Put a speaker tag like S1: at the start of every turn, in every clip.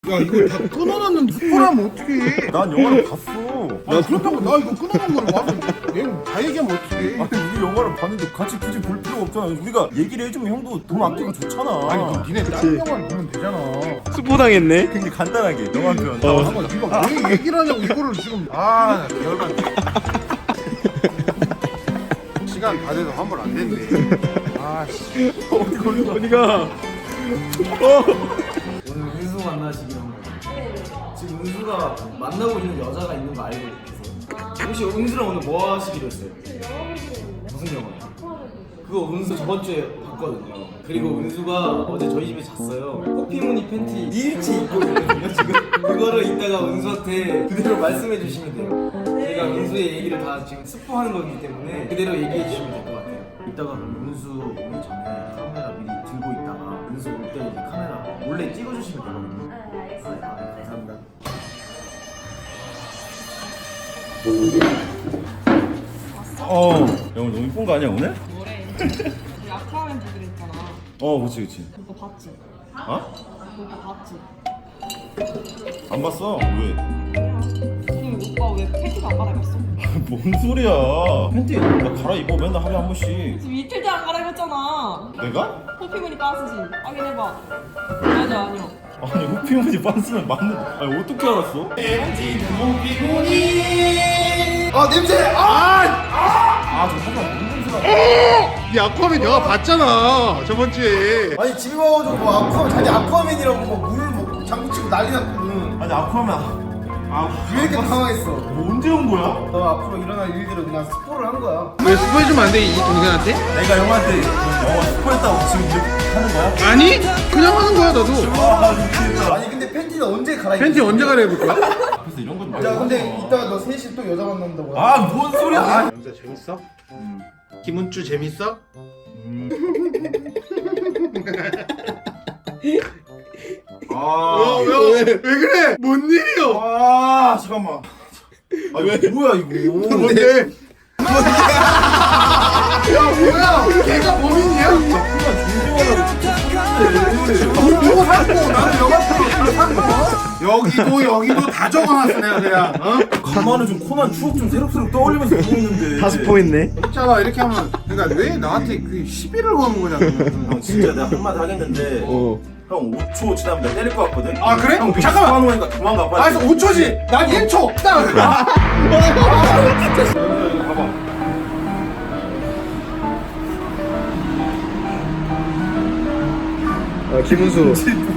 S1: 야 이거 다 끊어놨는데 스포하면 어떡해.
S2: 난 영화를 봤어.
S1: 아 그렇다고 나 이거 끊어놓은 걸 와서 내용 다 얘기하면 어떡해.
S2: 아니 우리 영화를 봤는데 같이 굳이 볼 필요가 없잖아. 우리가 얘기를 해주면 형도 돈 아끼고 좋잖아.
S1: 아니 그럼 니네 다른 영화를 보면 되잖아.
S3: 스포 당했네.
S2: 굉장히 간단하게 영화 편.
S1: 잠깐 니가 왜 얘기를 하냐고 이거를 지금. 아 열받네. 시간 다 돼서 환불 안 된대. 아씨.
S3: 어디가?
S4: 오늘 은수 만나시기로 한 거예요. 지금 은수가 만나고 있는 여자가 있는 거 알고 있어서 혹시 은수랑 오늘 뭐 하시기로 했어요? 무슨 영화요? 그거 은수 저번 주에 봤거든요. 그리고 은수가 어제 저희 집에 잤어요. 호피무늬 팬티 일치 입고 있거든요 지금. 그거를 이따가 은수한테 그대로 말씀해 주시면 돼요. 제가 은수의 얘기를 다 지금 스포하는 거기 때문에 그대로 얘기해 주시면 될 것 같아요. 이따가 은수 오기 전에 카메라 미리 들고 있다가 은수 올 때 이제 카메라 몰래 찍어주시면 되거든요.
S5: 네, 알겠습니다.
S4: 감사합니다.
S2: 영화 너무 이쁜 거 아니야 오늘?
S6: 뭐래? 우리 아쿠아맨 보기로 했잖아.
S2: 그치 그치.
S6: 그거 봤지?
S2: 어?
S6: 그거 봤지?
S2: 안 봤어? 왜?
S6: 그럼 오빠 왜 팬티도 안 갈아입었어?
S2: 뭔 소리야? 팬티 나 갈아입어 맨날 하루에 한 번씩.
S6: 지금 이틀째 안 갈아입었잖아.
S2: 내가?
S6: 호피무늬 빤스지. 확인해봐. 여자 아니야.
S2: 아니 호피무늬 빤스는 맞는. 아니 어떻게 알았어?
S1: 아 냄새.
S2: 저 잠깐 뭔 냄새가.
S1: 이 아쿠아맨 영화 봤잖아 저번 주에.
S4: 아니 집에 와가지고 뭐 아쿠아맨 자기 아쿠아맨이라고 뭐물뭐 장구 치고 난리 났거든.
S2: 아니 아쿠아맨.
S4: 왜 이렇게 당황했어?
S2: 뭐 언제 온 거야?
S4: 너 앞으로 일어날 일들을 그냥 스포를 한 거야.
S1: 왜 스포해주면 안 돼 이 동생한테?
S2: 내가 영화한테 영화 스포했다고 지금 이렇게 하는 거야?
S1: 아니 그냥 하는 거야 나도.
S2: 미치겠다.
S4: 아니 근데 팬티는 언제 갈아입어?
S1: 팬티 언제 갈아입을 거야?
S2: 그래서 이런 건
S4: 야 근데 이따 너 셋이 또 여자 만난다고.
S2: 뭔 소리야?
S1: 영수야 재밌어? 김은주 재밌어? 왜 그래? 뭔 일이야?
S2: 잠깐만. 왜 뭐야 이거?
S1: 뭔데? 야 뭐야? 걔가 범인이야? 누구 샀고 나는 영화표로 샀고 여기도 다 적어놨어 내가 그냥
S2: 간만에 좀 코난 추억 좀 새록새록 떠올리면서 보고 있는데.
S3: 다 스포했네.
S1: 있잖아 이렇게 하면 그러니까 왜 나한테 그 시비를 거는 거냐
S2: 형 진짜 내가 한마디 하겠는데 형 5초 지나면 내가 때릴 것 같거든?
S1: 아 그래?
S2: 형
S1: 잠깐만
S2: 하는 거니까 도망가 빨리.
S1: 알았어 5초지 난 1초 딱
S3: 김은수.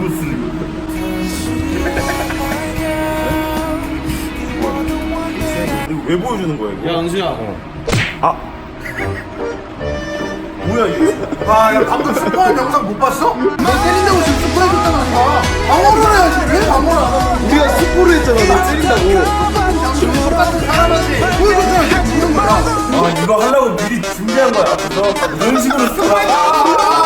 S2: 이거 왜 보여주는 거야 이거?
S4: 야 은수야.
S2: 뭐야 이거?
S1: 야 방금 스포한 영상 못 봤어? 너 때린다고 지금 스포해줬단 말이야 방어를 해야지 왜 방어를 안 하고
S3: 우리가 스포를 했잖아. 너 때린다고.
S1: 똑같은 사람한테 보여줬잖아 이제 죽는 거야
S2: 이거 하려고 미리 준비한 거야. 그래서 이런 식으로 써.